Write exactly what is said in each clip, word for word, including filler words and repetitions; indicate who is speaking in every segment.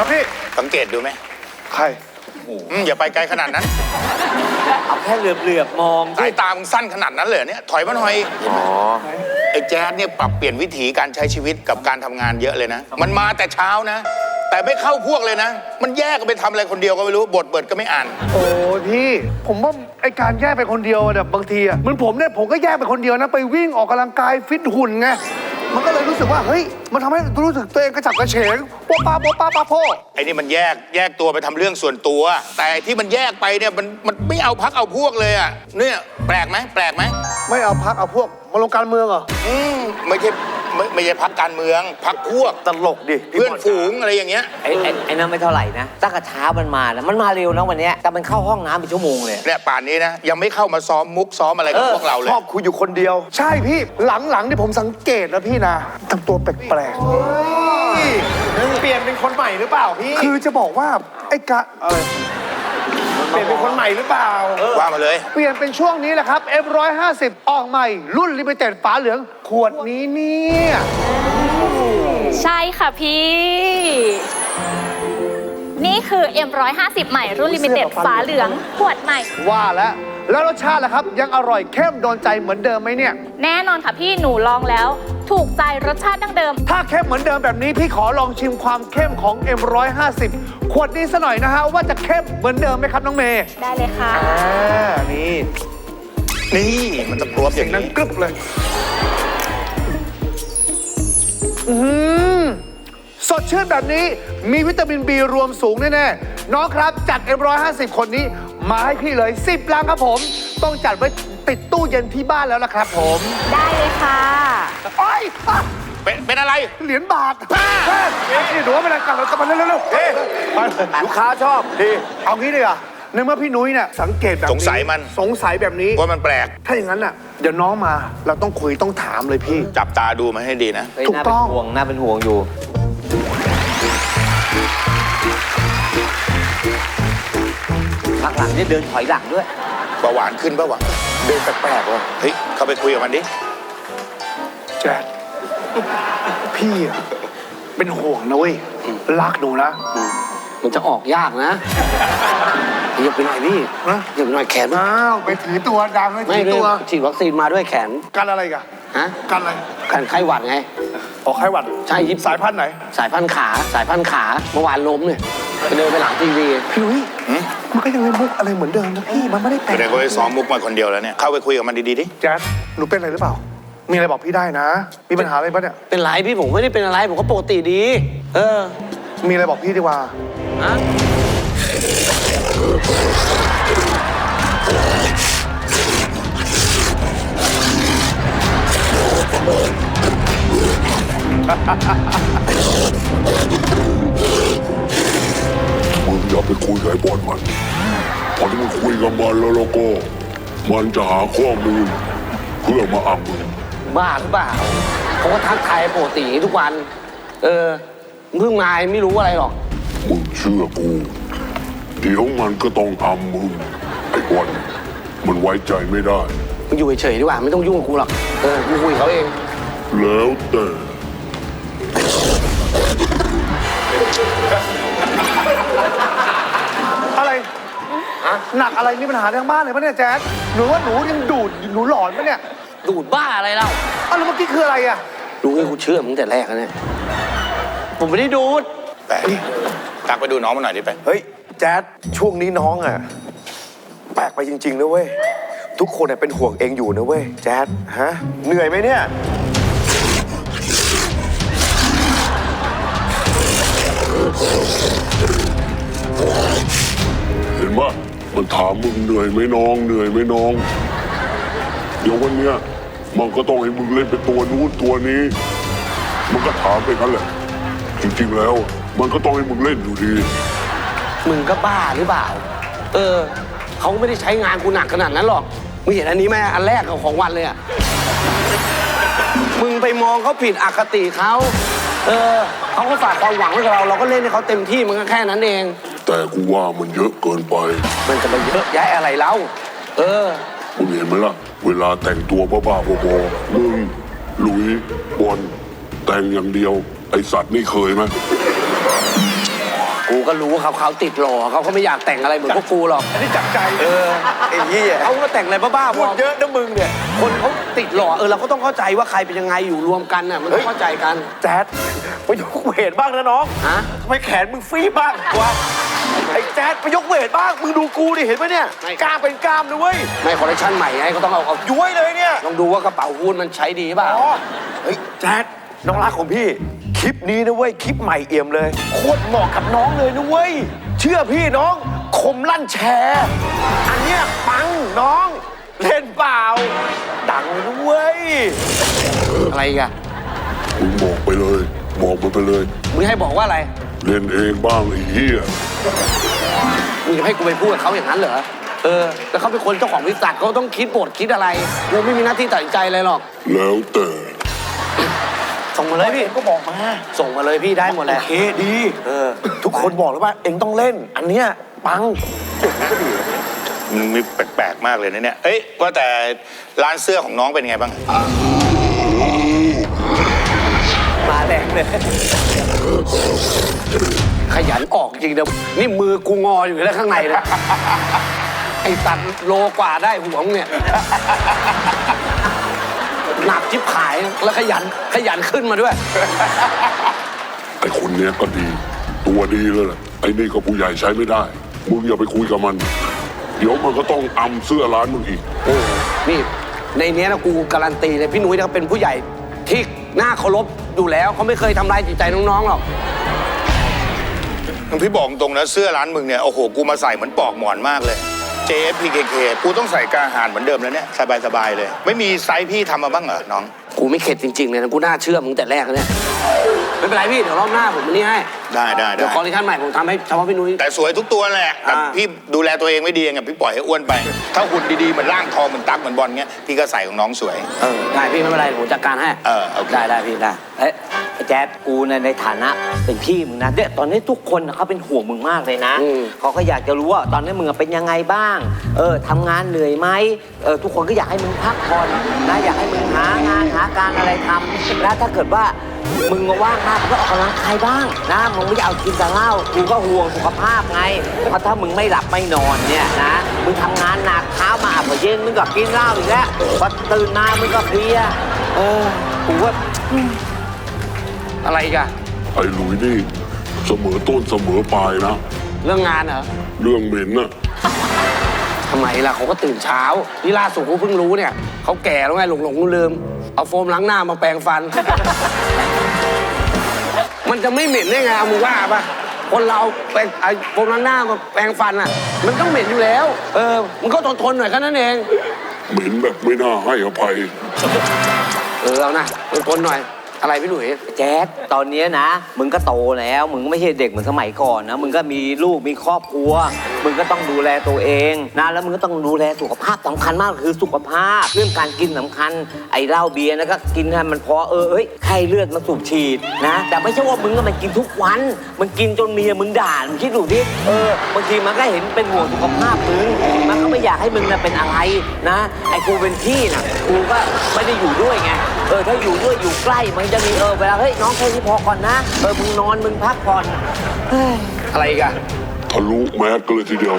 Speaker 1: ครับพี่
Speaker 2: สังเกตดูไหม
Speaker 1: ใคร
Speaker 2: อย่าไปไกลขนาดนั้น
Speaker 3: เอาแค่เหลือบๆมอง
Speaker 2: สายตามึงสั้นขนาดนั้นเลยเนี่ยถอยมาหน่อยอ๋อไอ้แจ๊ดเนี่ยปรับเปลี่ยนวิถีการใช้ชีวิตกับการทำงานเยอะเลยนะมันมาแต่เช้านะแต่ไม่เข้าพวกเลยนะมันแยกกันไปทำอะไรคนเดียวก็ไม่รู้บทเบิดก็ไม่อ่าน
Speaker 1: โอ้พี่ผมว่าไอการแยกไปคนเดียวเนี่ยบางทีอ่ะเหมือนผมเนี่ยผมก็แยกไปคนเดียวนะไปวิ่งออกกำลังกายฟิตหุ่นไงมันก็เลยรู้สึกว่าเฮ้ยมันทำให้รู้สึกตัวเองกระฉับกระเฉงโป๊ะป้าโป๊ะป้าป้าโพ
Speaker 2: ไอ้นี่มันแยกแยกตัวไปทำเรื่องส่วนตัว แต่ที่มันแยกไปเนี่ยมันมันไม่เอาพักเอาพวกเลยอ่ะเนี่ยแปลกไหมแปลกไหม
Speaker 1: ไม่เอาพักเอาพวกมาลงการเมืองเหรอ
Speaker 2: อืมไม่ใช่ไม่ไม่ใช่พักการเมืองพักพวก
Speaker 1: ตลกดิ
Speaker 2: เพื่อนฝูงอะไรอย่างเงี้ย
Speaker 3: ไอ้ไอ้ไอ้นั่นไม่เท่าไหร่นะตั้งแต่เช้ามันมานะมันมาเร็วนะวันนี้แต่มันเข้าห้องน้ำเป็นชั่วโมงเลย
Speaker 2: เนี่ยป่านนี้นะยังไม่เข้ามาซ้อมมุกซ้อมอะไรกับพวกเราเลย
Speaker 1: ชอบคุยอยู่คนเดียวใช่พี่หลังๆที่ผมสังเกตนะพี่นะทำตัวแปลกๆ
Speaker 4: เปลี่ยนเป็นคนใหม่หรือเปล่าพี่
Speaker 1: คือจะบอกว่าไอ้กะอะไร
Speaker 4: เปลี่ยนเป็นคนใหม่หรือเปล่า
Speaker 2: ว่ามาเลย
Speaker 1: เปลี่ยนเป็นช่วงนี้แหละครับ เอ็ม หนึ่งร้อยห้าสิบ ออกใหม่รุ่นลิมิเต็ดฝาเหลืองขวดนี้เนี่ย
Speaker 5: ใช่ค่ะพี่นี่คือ เอ็ม หนึ่งร้อยห้าสิบ ใหม่รุ่นลิมิเต็ดฝาเหลืองขวดใหม่
Speaker 1: ว่าแล้วแล้วรสชาติล่ะครับยังอร่อยเข้มโดนใจเหมือนเดิมไหมเนี่ย
Speaker 5: แน่นอนค่ะพี่หนูลองแล้วถูกใจรสชาติดั้งเดิม
Speaker 1: ถ้าเข้มเหมือนเดิมแบบนี้พี่ขอลองชิมความเข้มของ เอ็ม หนึ่งร้อยห้าสิบ ขวดนี้ซะหน่อยนะฮะว่าจะเข้มเหมือนเดิมไหมครับน้องเมย์
Speaker 5: ได้เลยค่ะ
Speaker 1: อ่านี่
Speaker 2: นี่มันจะกรวบอย่าง
Speaker 1: นั้นกรึบเลยอืมสดชื่นแบบนี้มีวิตามิน บี รวมสูงแน่ๆน้องครับจัด เอ็ม หนึ่งร้อยห้าสิบ คนนี้มาให้พี่เลยสิบลังครับผมต้องจัดไว้ติดตู้เย็นที่บ้านแล้วล่ะครับผม
Speaker 5: ได้เลยค่ะ
Speaker 1: โอ๊ย
Speaker 2: เป็นเป็นอะไร
Speaker 1: เหรียญบาทนี่ดูว่าเป็นอะไรกันกลับมาเร็วๆเฮ้ยลูกค้าชอบดีเอางี้เลยอ่ะในเมื่อพี่นุ้ยเนี่ยสังเกตแบบ
Speaker 2: สงสัยมัน
Speaker 1: สงสัยแบบนี้
Speaker 2: ว่ามันแปลก
Speaker 1: ถ้าอย่างนั้นน่ะเดี๋ยวน้องมาเราต้องคุยต้องถามเลยพี่
Speaker 2: จับตาดูมันให้ดีนะ
Speaker 1: ถูกต้อง
Speaker 3: ห่วงน่าเป็นห่วงอยู่พักหลังนี่เดินถอยหลังด้วย
Speaker 2: เบาหวานขึ้นเบาหวาน
Speaker 1: เดินแปลกๆว่ะ
Speaker 2: เฮ้ยเข้าไปคุยกับมันดิ
Speaker 1: แจ๊ดพี่เป็นห่วงนะเว้ยรักหนูนะ
Speaker 4: มันจะออกยากนะอย่าไปหน่อยพี่อย่าไปหน่อยแขน
Speaker 1: อ้าวไปถือตัวดังเลยถือตัว
Speaker 4: ฉีดวัคซีนมาด้วยแขน
Speaker 1: กันอะไรกัน
Speaker 4: ฮะ
Speaker 1: กันอะไร
Speaker 4: กันไข้หวัดไง
Speaker 1: ออกไข้หวัด
Speaker 4: ใช่ยิบ
Speaker 1: สายพันธุ์ไหน
Speaker 4: สายพันธุ์ขาสายพันธุ์ขาเมื่อวานล้มเนี่ยไปเดินไปหลังทีวี
Speaker 1: พี่นุ้ยมันก็ยังเล่นมุกอะไรเหมือนเดิมนะพี่มันไม่ได้แต่ง
Speaker 2: เดี๋ยวก็ไปซ้อมมุกมาคนเดียวแล้วเนี่ยเข้าไปคุยกับมันดีๆดิ
Speaker 1: แจ๊ดหนูเป็นอะไรหรือเปล่ามีอะไรบอกพี่ได้นะมีปัญหาอะไรปะเนี่ย
Speaker 4: เป็นไรพี่ผมไม่ได้เป็นอะไรผมก็ปกติดีเออ
Speaker 1: มีอะไรบอกพี่ดีกว่า
Speaker 4: ฮะ
Speaker 6: มึงอย่าไปคุยกับไอ้บอลมันพอที่มึงคุยกับมันแล้วแล้วก็มันจะหาข้อมูลเพื่อมาอ้างมึง
Speaker 4: บ้าหรือเปล่าเขาก็ทักทายปกติทุกวันเออเพิ่งมาไม่รู้อะไรหรอก
Speaker 6: มึงเชื่อกูเดี๋ยวมันก็ต้องทำมึงไอ้บอลมันไว้ใจไม่ได้
Speaker 4: มึงอยู่เฉยๆดีกว่าไม่ต้องยุ่งกับกูหรอกเออกูคุยเขาเอง
Speaker 6: แล้วแต่
Speaker 1: อะไรหนักอะไรมีปัญหาทางบ้านเลยปะเนี่ยแจ๊ดหนูว่าหนูยังดูดหนูหลอนปะเนี่ย
Speaker 4: ดูดบ้าอะไรเล่า
Speaker 1: อ้าวแล้วเมื่อกี้คืออะไรอ่ะ
Speaker 4: รู้ไงกูเชื่อมึงแต่แรกแล้วเนี่ยผมไม่ได้ดูด
Speaker 2: ไปตักไปดูน้องมาหน่อยดิไป
Speaker 1: เฮ้ยแจ๊ดช่วงนี้น้องอ่ะแปลกไปจริงๆนะเว้ยทุกคนเนี่ยเป็นห่วงเองอยู่นะเว้ยแจ๊ดฮะเหนื่อยไหมเนี่ย
Speaker 6: เห็นปะมันถามมึงเหนื่อยไหมน้องเหนื่อยไหมน้องเดี๋ยววันเนี้ยมันก็ต้องให้มึงเล่นเป็นตัวนู้นตัวนี้มันก็ถามไปกันแหละจริงๆแล้วมันก็ต้องให้มึงเล่นอยู่ดี
Speaker 4: มึงก็บ้าหรือเปล่าเออเขาไม่ได้ใช้งานกูหนักขนาดนั้นหรอกมึงเห็นอันนี้ไหมอันแรกของวันเลยอ่ะมึงไปมองเขาผิดอคติเขาเออเขาก็ฝากความหวังไว้กับเราเราก็เล่นให้เขาเต็มที่มันก็แค่นั้นเอง
Speaker 6: แต่กูว่ามันเยอะเกินไป
Speaker 4: มันจะมาเยอะย้ายอะไรเล่าเออ
Speaker 6: มึงเห็นไหมล่ะเวลาแต่งตัวบ้าๆบอๆมึงหลุยบอลแต่งอย่างเดียวไอสัตว์นี่เคยไหม
Speaker 4: กูก็รู้เขาเขาติดหล่อเขาก็ไม่อยากแต่งอะไรเหมือนพวกกูหรอก
Speaker 7: อันนี้จับใจ
Speaker 4: เออ
Speaker 7: ไอ้เหี้ย
Speaker 4: เขาก็แต่งอะไรบ้าๆ
Speaker 7: พูดเยอะนะมึงเนี่ย
Speaker 4: คนเขาติดหล่อเออเราก็ต้องเข้าใจว่าใครเป็นยังไงอยู่รวมกันน่ะมันต้องเข้าใจกัน
Speaker 7: แจ๊ดไปยกเวทบ้างนะน้อง
Speaker 4: ฮะ
Speaker 7: ทำไมแขนมึงฟรีบ้างวะไอ้แจ๊ดไปยกเวทบ้างมึงดูกูดิเห็นไหมเนี่ยกล้ามเป็นกล้ามนะเว้ย
Speaker 4: ไม่คอลเลคชันใหม่ไงก็ต้องเอาเอา
Speaker 7: ย้วยเลยเนี่ย
Speaker 4: ลองดูว่ากระเป๋าหุ้นมันใช้ดีเปล่า
Speaker 7: อ๋อเฮ้ยแจ๊ดน้องรักของพี่ คลิปนี้นะเว้ยคลิปใหม่เอี่ยมเลยโคตรเหมาะกับน้องเลยนะเว้ยเชื่อพี่น้องคมลั่นแชร์อันเนี้ยปังน้องเล่นเปล่าดังเลยนะเว้ย
Speaker 4: อะไรอีกัน
Speaker 6: มึงบอกไปเลยบอกมันไปเลย
Speaker 4: มึงให้บอกว่าอะไร
Speaker 6: เล่นเองบ้างไอ้เหี้ย
Speaker 4: มึงจะให้กูไปพูดกับเขาอย่างนั้นเหรอเออแล้วเขาเป็นคนเจ้าของบริษัทเขาต้องคิดบทคิดอะไรกูไม่มีหน้าที่ตัดสินใจอะไรหรอก
Speaker 6: แล้วแต่
Speaker 4: ส่งมาเลยพี่
Speaker 7: ก็บอกมา
Speaker 4: ส่งมาเลยพี่ได้หมดแห
Speaker 7: โอ
Speaker 4: ละ
Speaker 7: เคดีเออทุกคนบอกแล้วว่าเอ็งต้องเล่น อันเนี้ยปังเจ๋งก็ดี
Speaker 2: มันมีแปลกๆมากเลยนะเนี่ยเอ้ยว่าแต่ร้านเสื้อของน้องเป็นไงบ้าง
Speaker 4: มาแรงเลยขยันออกจริงเดี๋ยวนี่มือกูงออยู่แล้วข้างในเลยไอ้ตัดโลกว่าได้หัวมึงเนี่ยหนักชิบหายแล้วขยันขยันขึ้นมาด้วย
Speaker 6: ไอ้คนเนี้ยก็ดี ตัวดีเลยแหละไอ้นี่ก็ผู้ใหญ่ใช้ไม่ได้ มึงอย่าไปคุยกับมัน เดี๋ยวมันก็ต้องอำเสื้อร้านมึงอีก
Speaker 4: โอ้นี่ในเนี้ยนะกูการันตีเลยพี่นุ้ยเขาเป็นผู้ใหญ่ที่น่าเคารพอยู่แล้วเขาไม่เคยทำร้ายจิตใจน้องๆหรอก
Speaker 2: พี่บอกตรงนะเสื้อร้านมึงเนี่ยโอ้โหกูมาใส่เหมือนปอกหมอนมากเลย เจ เอฟ พี เค เค กูต้องใส่กาหารเหมือนเดิมแล้วเนี่ยสบายๆเลย ไม่มีไซส์พี่ทำมาบ้างเหรอน้อง
Speaker 4: กูไม่เข็ดจริงๆเลยนะกูน่าเชื่อมึงแต่แรกแล้วเนี่ยไม่เป็นไรพี่เดี๋ยวรอบหน้าผมอันนี้ให้
Speaker 2: ได้ได้
Speaker 4: เดี๋ยว
Speaker 2: ได้
Speaker 4: คอลเลคชันใหม่ผมทำให้เฉพาะพี่นุ้ย
Speaker 2: แต่สวยทุกตัวแหละแต่
Speaker 4: อ่า
Speaker 2: พี่ดูแลตัวเองไม่ดีไงพี่ปล่อยให้อ้วนไป ถ้าหุ่นดีๆเหมือนร่างทองเหมือนตั๊กเหมือนบอลเงี้ยพี่ก็ใส่ของน้องสวย
Speaker 4: เออได้พี่ไม่เป็นไรผมจัดการให้
Speaker 2: เออโอเค
Speaker 4: ได้ได้พี่ได้
Speaker 3: เอ้ยไอ้แจ๊ดกูในในฐานะเป็นพี่มึงนะเนี่ยตอนนี้ทุกคนน่ะเขาเป็นห่วงมึงมากเลยนะเขาก็อยากจะรู้ว่าตอนนี้มึงเป็นยังไงบ้างเออทำงานเหนื่อยไหมเออทุกคนก็อยากให้มึงพักผ่อนนะอยากให้มึงหางานหาการอะไรทำแล้วถ้าเกิดว่ามึงว่างมากมึงก็ออกกำลังกายบ้างนะมึงไม่อยากเอากินแต่เหล้ากูก็ห่วงสุขภาพไงเพราะถ้ามึงไม่หลับไม่นอนเนี่ยนะมึงทำงานหนักเช้ามาพอเย็นมึงก็กินเหล้าอีกแล้วพอตื่นมามึงก็เพลียเออกูว่า
Speaker 4: อะไรอีกัน
Speaker 6: ไอ้หลุยนี่เสมอต้นเสมอปลายนะ
Speaker 4: เรื่องงานเหรอ
Speaker 6: เรื่องเหม็นน่ะ
Speaker 4: ทำไมล่ะเขาก็ตื่นเช้านี่ล่าสุดกูเพิ่งรู้เนี่ยเขาแก่แล้วไงหลงหลงลืมๆเอาโฟมล้างหน้ามาแปรงฟัน มันจะไม่เหม็นได้ไงเอามึงว่าปะคนเราแปรงไอ้โฟมล้างหน้ามาแปรงฟันอ่ะ มันต้องเหม็นอยู่แล้ว เออมันก็ทนทนๆหน่อยแค่นั้นเอง
Speaker 6: เหม็นแบบไม่น่าให้อภัย
Speaker 4: เออเอานะทนทนๆหน่อยอะไรพี่หลุย
Speaker 3: แจ๊ดตอนเนี้ยนะ มึงก็โตแล้ว มึงไม่ใช่เด็กเหมือนสมัยก่อนนะ มึงก็มีลูกมีครอบครัว มึงก็ต้องดูแลตัวเองนะ แล้วมึงก็ต้องดูแลสุขภาพสำคัญมากคือสุขภาพ เรื่องการกินสำคัญ ไอ้เหล้าเบียร์นะก็กินให้มันพอเออเอ้ยไข้เลือดมาสูบฉีดนะ แต่ไม่ใช่ว่ามึงก็มันกินทุกวัน มึงกินจนเมียมึงด่ามึงคิดดูดิเออบางทีมันก็เห็นเป็นห่วงสุขภาพมึง มันก็ไม่อยากให้มึงน่ะเป็นอะไรนะ ไอ้กูเป็นพี่น่ะ กูก็ไม่ได้อยู่ด้วยไง เออถ้าอยู่ด้วยอยู่ใกล้มันจะมีเออเวลาเฮ้ยน้องแค่นี้พอก่อนนะเออมึงนอนมึงพักผ่อนเฮ้ย
Speaker 4: อะไรอีกัน
Speaker 6: ทะลุแมสกันเลยทีเดียว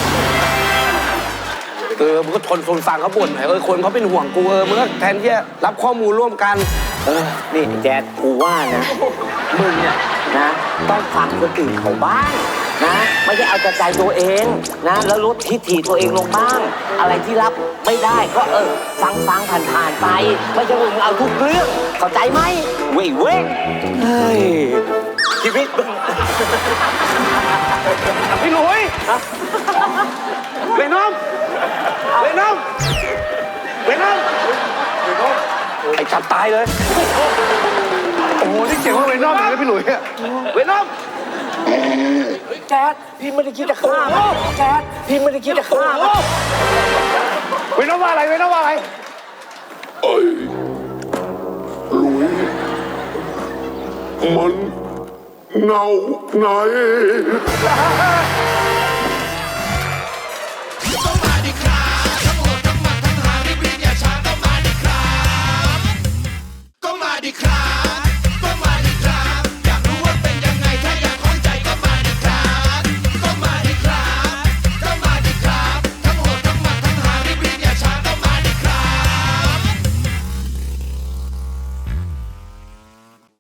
Speaker 4: เออมึงก็ทนทนฟังเขาบ่นหน่อยเออคนเขาเป็นห่วงกูเออมึงก็แทนที่จะรับข้อมูลร่วมกัน
Speaker 3: เออนี่แจ๊ดกูว่านะมึงเนี่ยนะต้องฟังคนอื่นเขาบ้างนะไม่ใช่เอาแต่ใจตัวเองนะแล้วลดทิฐิตัวเองลงบ้าง อะไรที่รับไม่ได้ก็เออฟังฟังผ่านผ่านๆไปไม่ใช่ว่ามึงเอาทุกเรื่องเข้าใจไหมเว้ยเว้ยเฮ้ยชีวิตมึง
Speaker 4: พี่หลุยเวนอมเวนอมเวนอมไอ้จับตายเลย
Speaker 1: โอ้โหนี่เจ๋งว่าเวนอมเลยนะพี่หลุยอะ
Speaker 4: เวนอม
Speaker 7: แจ๊ดพี่ไม่ได้คิดจะฆ่ามันแจ๊ดพี่ไม่ได้คิดจะฆ่ามัน
Speaker 1: เวนอมว่าอะไรเวนอมว่าอะไร
Speaker 6: ไอ้หลุยมันเงาไหน